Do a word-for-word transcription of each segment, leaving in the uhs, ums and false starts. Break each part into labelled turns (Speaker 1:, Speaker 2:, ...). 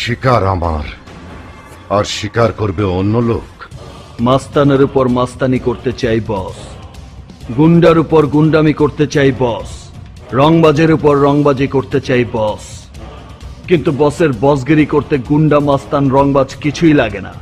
Speaker 1: শিকার আমার, আর শিকার করবে অন্য লোক।
Speaker 2: মাস্তানের উপর মাস্তানি করতে চাই বস, গুন্ডার উপর গুন্ডামি করতে চাই বস, রংবাজের উপর রংবাজি করতে চাই বস। কিন্তু বসের বসগিরি করতে গুন্ডা মাস্তান রংবাজ কিছুই লাগে না।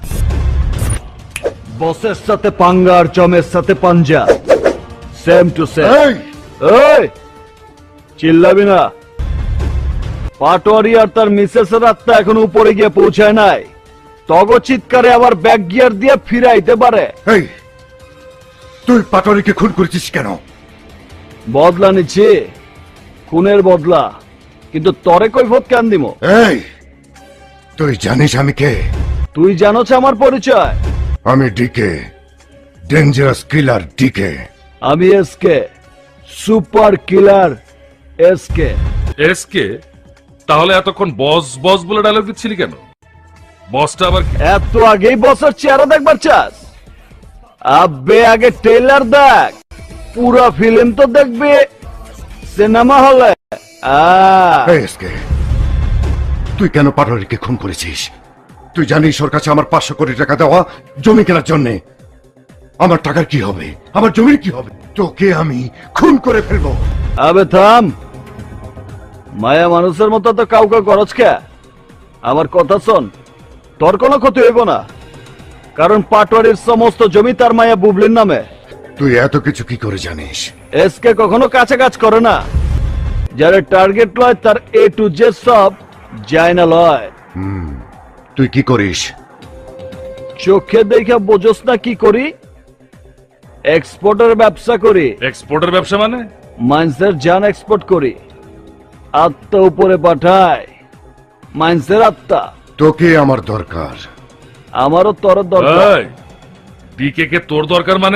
Speaker 2: বসের সাথে পাঙ্গা আর জমের সাথে পাঞ্জা, সেম টু সেম।
Speaker 1: এই!
Speaker 2: এই চিল্লাবি না। পাটোয়ারি আর তার মিসেসের আত্মা এখন উপরে গিয়ে পৌঁছায় নাই। তগ চিৎকারে আবার ব্যাক গিয়ার দিয়ে ফিরাইতে পারে।
Speaker 1: এই, তুই পাটরিকে খুন করেছিস কেন?
Speaker 2: বদলা নিচ্ছে, খুনের বদলা। কিন্তু তরে কৈফত কেন দিব?
Speaker 1: এই, তুই জানিস আমি কে?
Speaker 2: তুই জানোছ আমার পরিচয়?
Speaker 1: আমি ডিকে, ডেঞ্জারাস কিলার ডিকে।
Speaker 2: আমি SK, super killer SK.
Speaker 3: SK? তাহলে এতক্ষণ বস বস বলে ডায়লগ দিচ্ছিলি কেন? বসটা আবার কি?
Speaker 2: এত আগেই বসের চেহারা দেখবার চাস? আব্বে আগে ট্রেলার দেখ, পুরো ফিল্ম তো দেখবে সিনেমা হলে।
Speaker 1: এই এসকে, তুই কেন পাটরিকে খুন করেছিস? তুই জানিস ওর কাছে আমার পাঁচশো কোটি টাকা দেওয়া জমি কেনার জন্য। আমার টাকার কি হবে? আমার জমির কি হবে? তোকে আমি খুন করে ফেলবো।
Speaker 2: আবে থাম, মায়া মানুষের মতো তো কাউকে গরজ কে। আমার কথা শোন, তোর কোনো ক্ষতি হইব না, কারণ পাটোয়ারির সমস্ত জমি তার মায়া বুবলির নামে।
Speaker 1: তুই এত কিছু কি করে জানিস?
Speaker 2: এসকে কখনো কাছে কাজ করে না। যারা টার্গেট লয় তার এ টু জে সব যায় না লয়।
Speaker 1: তুই কি করিস?
Speaker 2: চোখে দেখে বোঝস না কি করি? এক্সপোর্টের ব্যবসা করি।
Speaker 3: এক্সপোর্টের ব্যবসা মানে?
Speaker 2: মাইন্সের জান এক্সপোর্ট করি, আত্মা উপরে পাঠায়। মাইন্সের আত্মা।
Speaker 1: তোকে আমার দরকার।
Speaker 2: আমারও তোর দরকার।
Speaker 3: এই, ডিকে কে তোর দরকার মানে?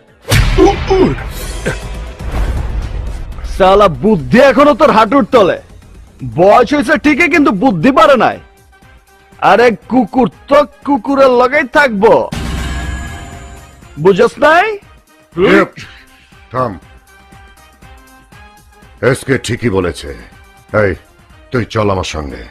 Speaker 2: সালা বুদ্ধি এখনো তোর হাঁটুর তলে। বয়স হয়েছে ঠিকই, কিন্তু বুদ্ধি পারে নাই। আরে কুকুর তো কুকুরের লগেই থাকবো, বুঝস নাই?
Speaker 1: থাম। এসকে ঠিকই বলেছে। এই, তুই চল আমার সঙ্গে।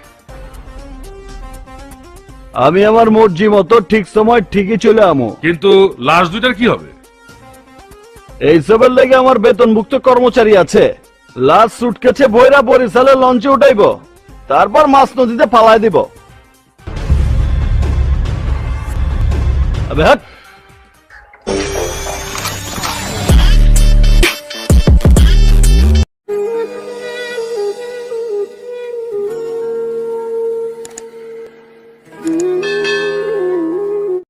Speaker 2: আমি আমার মর্জি মতো ঠিক সময় ঠিকই চলে আমো।
Speaker 3: কিন্তু লাশ দুইটার কি হবে?
Speaker 2: এইসবের লেগে আমার বেতনভুক্ত কর্মচারী আছে। লাস্ট সুটকেছে বইরা বরিশালের লঞ্চে উঠাইব, তারপর মাছ নদীতে ফালাই দিব। আবে হাট।